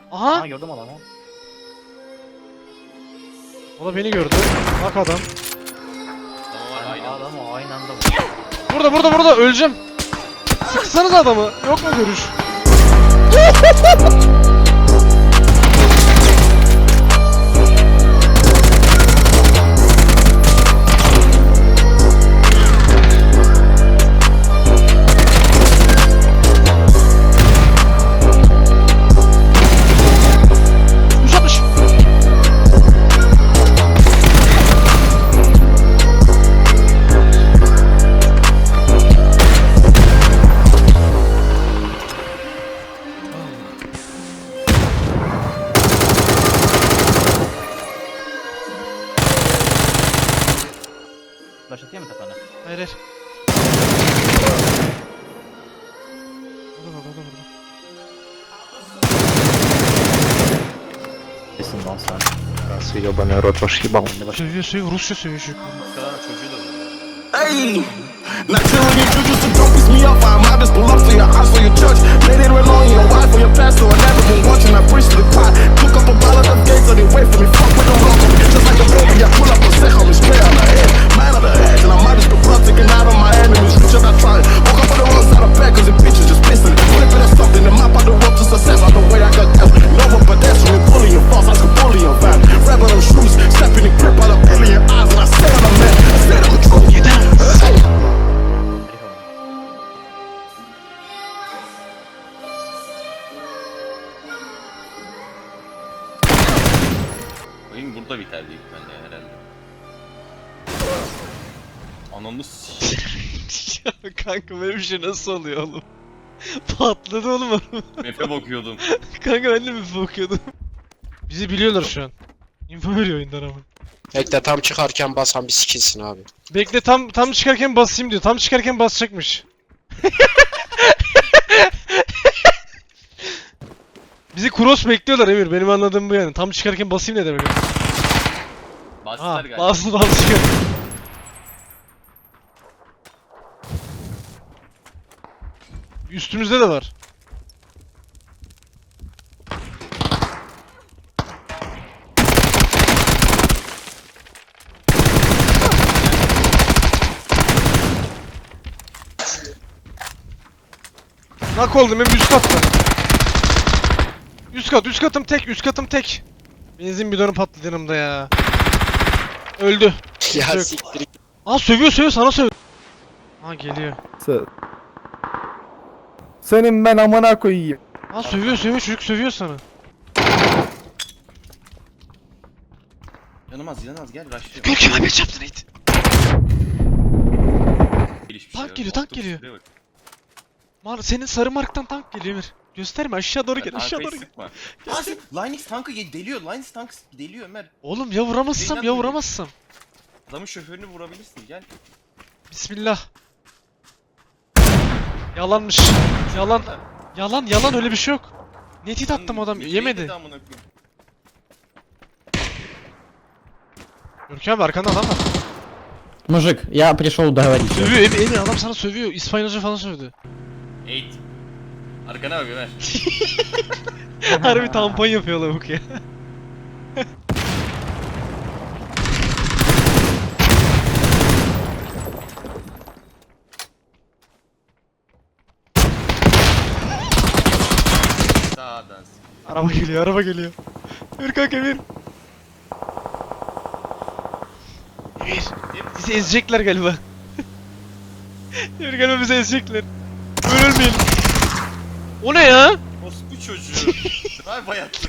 Aha! Ha gördüm adamı. O da beni gördü. Bak adam. Tamam aynı anda. Adamı aynı anda Burada öleceğim. Sıksanız adamı. Yok mu görüş? flash atıyor mu tepene? Hayır hayır. Burada. Kesin lan sen. Раз ебаный рот ваш ебал. Sövüyor Rusça sövüyor çocuk. Kadar çocuğu da var. Hey, not killing you, juju, so don't piss me off. I might just pull up for your house, for your church. Let it rely on your wife or your pastor. I never been watching, I preach to the pot. Took up a ball of them gates, so they wait for me. Fuck with them local, just like a baby. I pull up a set, homie, straight on the head. Man on the edge, and I might just go blood taking out on my enemies. Reach out, I try. Woke up on the wrong side of bed, cause the bitches just pissing. Flipping or something, the map out the road to success. Out the way I got dealt. Nova pedestrian, bullying false, I can bully your van. Rebel them shoes, stepping in grip out of alien eyes, and I say I'm a man. I say I'm a truth. Hey. Oyun burada biter büyük ihtimalle herhalde. Ananı s***. Ya kanka böyle bir şey nasıl oluyor oğlum? Patladı oğlum. Map'e bakıyordum. Kanka ben de mi bakıyordum? Bizi biliyorlar şu an. Info veriyor oyundan ama. Bekle tam çıkarken basan bir sikilsin abi. Bekle tam çıkarken basayım diyor. Tam çıkarken basacakmış. Bizi cross bekliyorlar Emir. Benim anladığım bu yani. Tam çıkarken basayım ne demek? Bastılar Ha, galiba. bastı çıkar. Üstümüzde de var. Nak oldum hem üst katta. Üst katım tek. Benzin bidonu patladı yanımda ya. Öldü. Ya Yok. siktir. Aa sövüyor sana sövüyor. Aa geliyor. Senin ben amına koyayım. Aa sövüyor çocuk sövüyor sana. Yanılmaz gel rush'lıyor. Görkem abi çarptın it. Hiçbir Tank yok. geliyor, tank Baktım, geliyor. şuraya bak. Senin sarı marktan tank geliyor Emir. Gösterme aşağı doğru gel Arkayı aşağı doğru gel. sıkma. Linux tankı deliyor. Linux tank deliyor Ömer. Oğlum ya vuramazsam Neyden ya dolayı? vuramazsam. Adamın şoförünü vurabilirsin gel. Bismillah. Yalanmış. Yalan öyle bir şey yok. Netit attım adam yemedi. Görkem abi arkanda adam var. Мужик, я пришел договориться. Sövüyor Emir adam sana sövüyor. İspanyolca falan sövdü. Eğit. Arkana bak Ömer. Harbi tampon yapıyor lavuk ya. Sağdan sık. Araba geliyor. Emir kanka Emir. Emir. Bizi ezecekler galiba. Emir galiba bizi ezecekler. Böyle ölmeyelim. O ne ya? Orospu çocuğu. Drive bayatlı.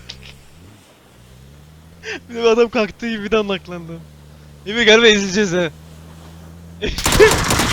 Bir de bir adam kalktığı gibi bir de naklandı. Emir galiba ezileceğiz ha.